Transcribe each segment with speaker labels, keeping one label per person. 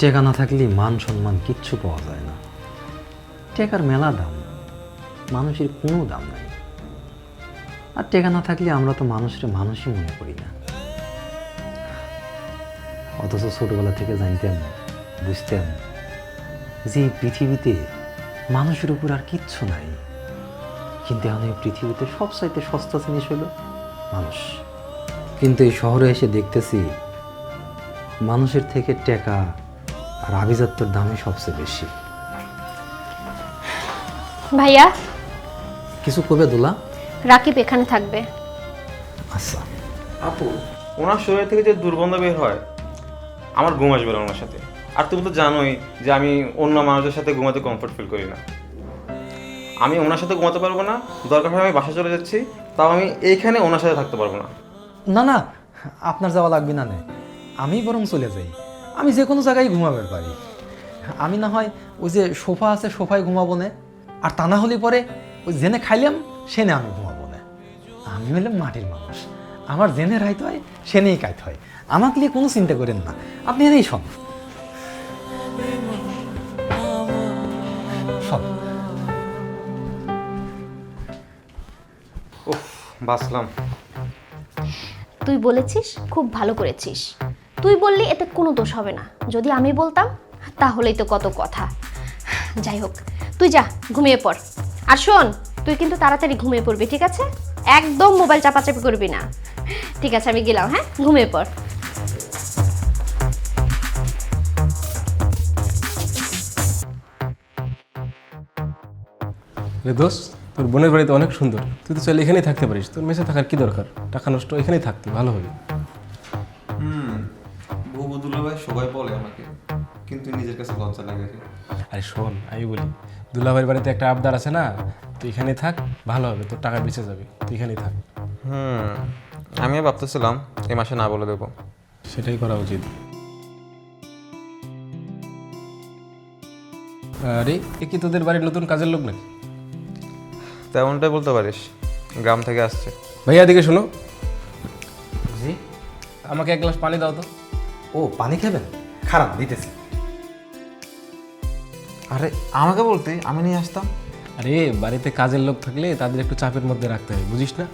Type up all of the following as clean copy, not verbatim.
Speaker 1: টেকা না থাকলে মান সম্মান কিচ্ছু পাওয়া যায় না। টেকার মেলা দাম, মানুষের কোনো দাম নাই। আর টেকা না থাকলে আমরা তো মানুষের মানুষই মনে করি না। অথচ ছোটবেলা থেকে জানতাম, বুঝতাম যে এই পৃথিবীতে মানুষের উপর আর কিচ্ছু নাই। কিন্তু এখন এই পৃথিবীতে সবচাইতে সস্তা জিনিস হলো মানুষ। কিন্তু এই শহরে এসে দেখতেছি মানুষের থেকে টাকা আর আভিজাত্যের দামই সবচেয়ে বেশি।
Speaker 2: ভাইয়া,
Speaker 1: কিছু কবে দোলা?
Speaker 2: রাকিব এখানে থাকবে।
Speaker 1: আচ্ছা।
Speaker 3: আপু, ওনার শরীর থেকে যে দুর্গন্ধ বের হয়, আমার ঘুম আসবে না ওনার সাথে। আর তুমি তো জানোই যে আমি অন্য মানুষদের সাথে ঘুমাতে কমফোর্ট ফিল করি না। আমি ওনার সাথে ঘুমাতে পারবো না, দরকার হয় আমি বাসা চলে যাচ্ছি, তাও আমি এইখানে ওনার সাথে থাকতে পারবো না।
Speaker 1: না না, আপনার যাওয়া লাগবে না। আমি বরং চলে যাই। আমি যে কোনো জায়গায় ঘুমাবে পারি। আমি না হয় ওই যে সোফা আছে, সোফায় ঘুমাবো না। আর তা না হলে পরে ওই জেনে খাইলাম সেনে আমি ঘুমাবো না। আমি হলাম মাটির মানুষ, আমার জেনে রাইতে হয় সেনেই কাইতে হয়। আমাকে নিয়ে কোনো চিন্তা করেন না, আপনি এই সব সব
Speaker 3: উফ, বাঁচলাম।
Speaker 2: তুই বলেছিস, খুব ভালো করেছিস। তুই বললি এতে কোনো দোষ হবে না। যদি আমি বলতাম তাহলেই তো কত কথা। যাই হোক, তুই যা ঘুমিয়ে পড়। আর শোন, তুই কিন্তু তাড়াতাড়ি ঘুমিয়ে পড়বি, ঠিক আছে? একদম মোবাইল চাপাচাপি করবি না। ঠিক আছে, আমি গেলাম। হ্যাঁ, ঘুমিয়ে পড়।
Speaker 4: রে দোস্ত, তোর বোনের বাড়িতে অনেক সুন্দর। তুই তো চাইলে এখানেই থাকতে পারিস। তোর মেসে থাকার কি দরকার? টাকা নষ্ট, এখানেই থাকতে ভালো হবে।
Speaker 3: বহু দুলাভাই সবাই বলে আমাকে, কিন্তু নিজের কাছে লজ্জা লাগে।
Speaker 4: আরে শোন, আমি বলি, দুলাভাইয়ের বাড়িতে একটা আবদার আছে না, তুই এখানেই থাক, ভালো হবে, তোর টাকা বেঁচে যাবে, তুই এখানেই থাক।
Speaker 3: আমিও ভাবতেছিলাম এই মাসে না বলে দেবো।
Speaker 4: সেটাই করা উচিত। আরে এ কি তোদের বাড়ির নতুন কাজের লোক নাকি?
Speaker 3: তেমনটাই বলতে পারিস, গ্রাম থেকে আসছে।
Speaker 4: ভাইয়া এদিকে শোনো,
Speaker 1: জি।
Speaker 4: আমাকে এক গ্লাস পানি দাও তো।
Speaker 1: ও, পানি খাবেন? খারাপ, দিতেছি।
Speaker 3: আরে আমাকে বলতে আমি নিয়ে আসতাম।
Speaker 4: আরে বাড়িতে কাজের লোক থাকলে তাদের একটু চাপের মধ্যে রাখতে হয়, বুঝিস না?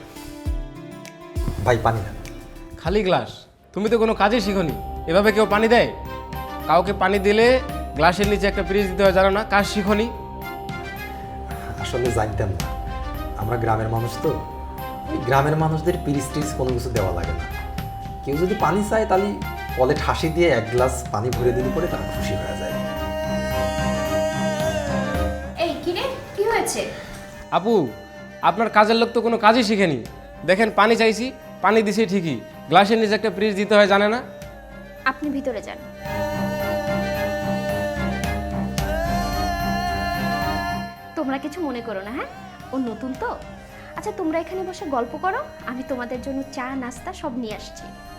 Speaker 1: ভাই পানি না।
Speaker 4: খালি গ্লাস? তুমি তো কোনো কাজই শিখোনি। এভাবে কেউ পানি দেয়? কাউকে পানি দিলে গ্লাসের নিচে একটা পিরিচ দিতে হয়, জানো না? কাজ শিখোনি?
Speaker 1: আসলে জানতাম না, আমরা গ্রামের মানুষ তো। ওই গ্রামের মানুষদের পিরিচ টিরিচ কোনো কিছু দেওয়া লাগে না। কেউ যদি পানি চায় তাহলে কলে ঠাসি দিয়ে এক গ্লাস পানি ভরে দিলে পরে তারা খুশি হয়ে যায়।
Speaker 2: এই কিরে, কি হয়েছে?
Speaker 4: আপু, আপনার কাজের লোক তো কোনো কাজই শিখেনি। দেখেন, পানি চাইছি, পানি দিছি ঠিকই, গ্লাসের নিচে একটা পিরিচ দিতে হয়, জানে না?
Speaker 2: আপনি ভিতরে যান। তোমরা কিছু মনে করো না, হ্যাঁ? ও নতুন তো। আচ্ছা, তোমরা এখানে বসে গল্প করো, আমি তোমাদের জন্য চা নাস্তা সব নিয়ে আসছি।